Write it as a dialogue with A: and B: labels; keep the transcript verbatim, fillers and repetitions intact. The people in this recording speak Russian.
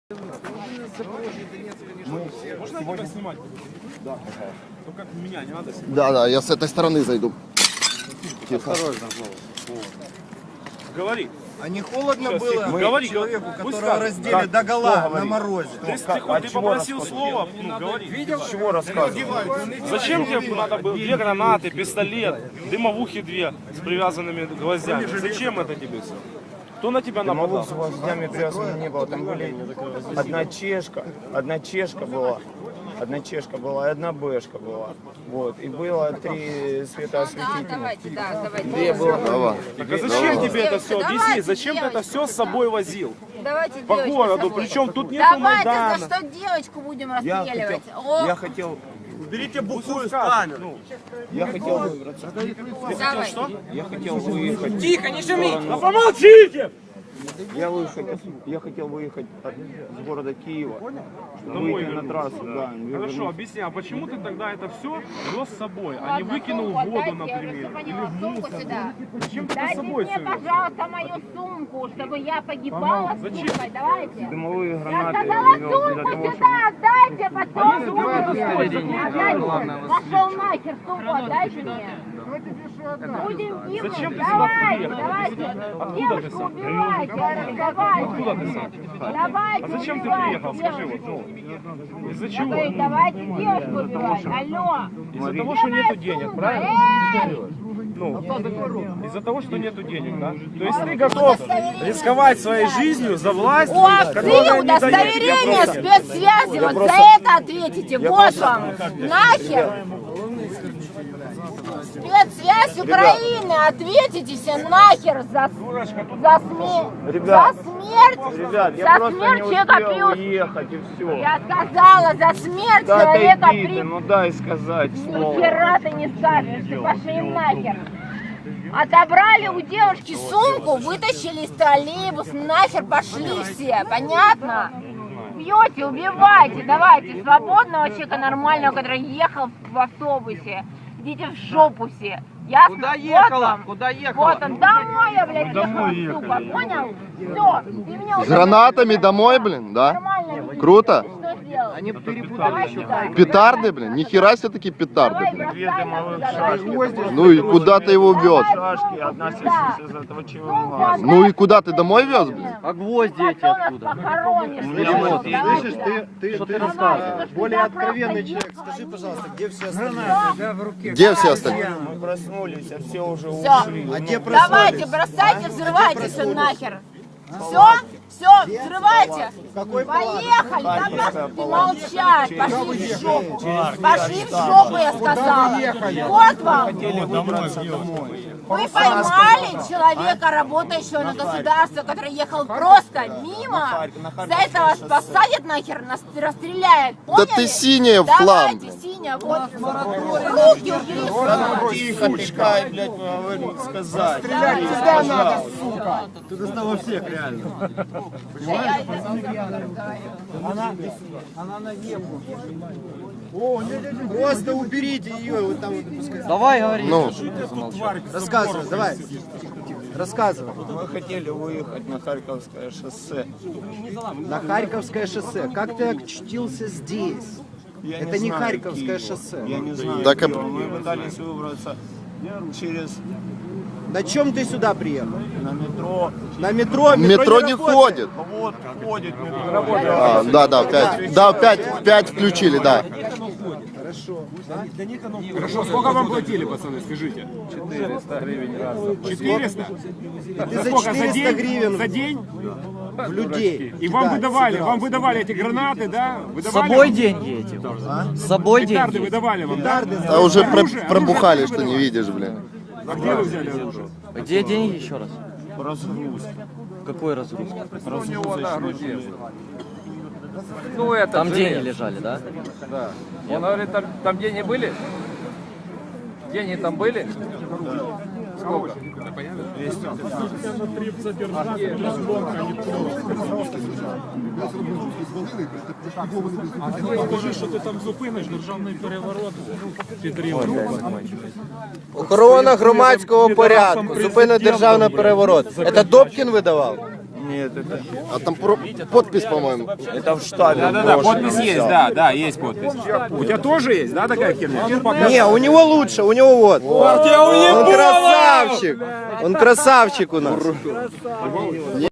A: Можно сегодня снимать? Да. Только меня не надо снимать.
B: Да, да, я с этой стороны зайду.
A: Тихо. Осторожно. Говори.
C: А не холодно
A: Сейчас,
C: было
A: мы... говори,
C: человеку,
A: пусть
C: которого
A: как,
C: раздели
A: как,
C: до гола на морозе?
A: Ты, ты, ты, ты попросил слова, ну, говори.
C: Видел?
A: С чего рассказывать? Зачем тебе надо было две гранаты, пистолет, дымовухи две с привязанными гвоздями? Зачем это тебе все? Кто на тебя нападал?
D: С гвоздями привязанными не было. Там были одна чешка, одна чешка была, одна чешка была и одна бэшка была. Вот. И было три светоосветительных.
E: Давайте, да, давайте.
D: Две было.
B: Давай.
A: Так а зачем тебе это все? Объясни, зачем ты это все с собой возил?
E: Давайте
A: По
E: девочку
A: городу,
E: с собой.
A: причем тут нету
E: Давайте,
A: Майдана.
E: за что девочку будем
D: Я
E: расстреливать?
D: хотел,
E: О,
D: я хотел,
A: Уберите бухую с камеры.
D: я хотел выбраться.
E: давай.
D: Я хотел выехать.
E: Тихо, не шумите.
A: Да помолчите!
D: Я выехать, я хотел выехать от, с города Киева,
A: Домой
D: выйти на
A: вернуться,
D: трассу, да.
A: Хорошо, объясни, а почему ты тогда это все вез с собой, а не выкинул в воду, например? Или в
E: Сумку
A: мусор?
E: сюда.
A: Зачем ты с
E: Дайте
A: собой
E: мне,
A: все вез?
E: пожалуйста, мою сумку, чтобы я погибала с
A: Зачем?
E: сумкой. Давайте.
D: Дымовые
E: Я
D: гранаты
E: сказала
D: вез для
E: сумку
D: того, чтобы...
E: сюда, отдайте, потом
A: Давай,
E: сумку.
A: давай,
E: Отдайте. Пошел нахер, сумку отдайте мне. Будем
A: Зачем
E: кивнуть.
A: ты сюда
E: Давайте,
A: приехал?
E: давайте.
A: Откуда ты
E: Девушку
A: сам?
E: убивайте,
A: Откуда ты
E: разговаривайте.
A: сам?
E: Давайте,
A: А зачем ты
E: убивайте
A: приехал? Скажи
E: девушку.
A: вот, ну, из-за
E: Я
A: чего?
E: говорю, давайте девушку убивать. Алло.
A: Из-за того, что нету денег, правильно? Ну, из-за того, что нету денег, да? То есть ты готов рисковать своей жизнью за власть,
E: У овцы
A: которая не дает тебе
E: удостоверение
A: просто...
E: спецсвязи. Вот за это ответите. Вот вам. Нахер. Спецсвязь Украины. Ответите все нахер за, за, сме...
D: Ребят,
E: за смерть.
D: Ребят, я
E: за
D: просто
E: смерть
D: не
E: человека
D: успел
E: плюс.
D: уехать и все.
E: Я сказала, за смерть
D: Да
E: человека
D: отойди ты,
E: при...
D: ну дай сказать
E: Ни
D: слово.
E: хера ты не скажешь, ты пошли нахер. Отобрали у девушки сумку, вытащили из троллейбус, нахер пошли все, понятно? Бьете, убивайте, давайте, свободного человека нормального, который ехал в автобусе, идите в жопу все. Ясно?
C: Куда
E: Вот
C: ехала?
E: вам.
C: Куда ехала?
E: Вот он, домой я, блядь, ехала, сука, понял? Все, ты меня
B: С
E: уже...
B: гранатами домой, блин, да?
E: Нормально видишь,
B: Круто.
E: ты что сделал?
C: Они перепутали еще.
B: Петарды, блин, нихера себе такие петарды,
E: Давай,
B: блин.
D: Две
E: бросай
D: дымовых
E: нас
D: шашки.
E: туда.
B: Ну и куда ты его вез?
D: Шашки, одна сосиска из этого чего.
B: Ну и куда ты домой вез, блин?
C: А гвозди эти
E: Потом нас
C: откуда?
E: похоронишь.
D: вот,
E: Давай,
C: слышишь,
E: давай.
C: ты,
E: Что
C: ты
E: рассказываешь?
C: более
E: Да,
C: откровенный
E: просто
C: человек.
E: ехала.
C: Скажи, пожалуйста, где все остальные?
B: Где все остальные?
D: Мы проснулись, а все уже
E: Всё.
D: ушли.
C: А где
E: Давайте,
C: проснулись?
E: бросайте, взрывайте все нахер. Все, все, взрывайте. Поехали, да, ты молчать. Пошли в жопу. Пошли в жопу, я сказала. Вот вам.
D: Хотели выбраться домой.
E: Вы поймали человека, работающего на государство, который ехал просто мимо. За это вас посадят нахер, нас расстреляют.
B: Да
E: Поняли?
B: ты синяя в хлам.
E: Давайте, синяя, вот. Руки убери.
D: Тихо, пускай, блядь, говорить, сказать.
C: Тебя надо, сука. Ты достала всех, реально. Она на небу. Просто уберите ее, вот там вот пускай.
F: Давай говори.
B: Ну,
C: Рассказывай, давай. Рассказывай.
D: Мы хотели выехать на Харьковское шоссе.
C: На Харьковское шоссе. Как ты очутился здесь?
D: Я
C: Это не
D: знаю
C: Харьковское
D: Киева.
C: шоссе.
D: Я не знаю.
B: Так, а-
D: Киева. Мы пытались выбраться через
C: На чем ты сюда приехал?
D: на метро.
C: На метро?
B: метро не
C: работает.
B: ходит.
D: Вот ходит метро.
B: А, да, да, пять. Да, пять, пять включили, да.
A: Хорошо, сколько вам платили, пацаны, скажите?
D: четыреста гривен раз.
A: четыреста?
C: Ты за четыреста гривен
A: За день?
C: в людей.
A: И вам
C: Да,
A: выдавали,
C: собирался.
A: вам выдавали эти гранаты, да?
F: С
A: Выдавали
F: собой
A: вам?
F: деньги эти. С собой
A: Петарды
F: деньги.
A: выдавали вам, да?
B: А уже про-
A: Оружие,
B: пробухали,
A: оружие
B: что не видишь, блин.
A: А где вы взяли оружие?
F: Где деньги еще раз?
D: Разгрузка.
F: Какой разгруз?
D: Разгрузочный.
G: Ну, это
F: Там
G: железо.
F: деньги лежали, да?
G: Да. Он говорит, там, там деньги были? Деньги там были? Сколько?
A: Скажи, що ти там зупиниш державний переворот. Підрив.
C: Охорона громадського порядку. Зупинить державний переворот. Це Добкін видавав?
F: Ні,
D: Нет, это,
B: А там про- подпись, по-моему.
D: это в штабе.
H: Да-да-да,
D: брошено
H: подпись есть,
D: всё.
H: да, да, есть подпись. У тебя тоже есть, да, такая херня?
C: Не, у него лучше, у него вот. Он красавчик. Он красавчик у нас.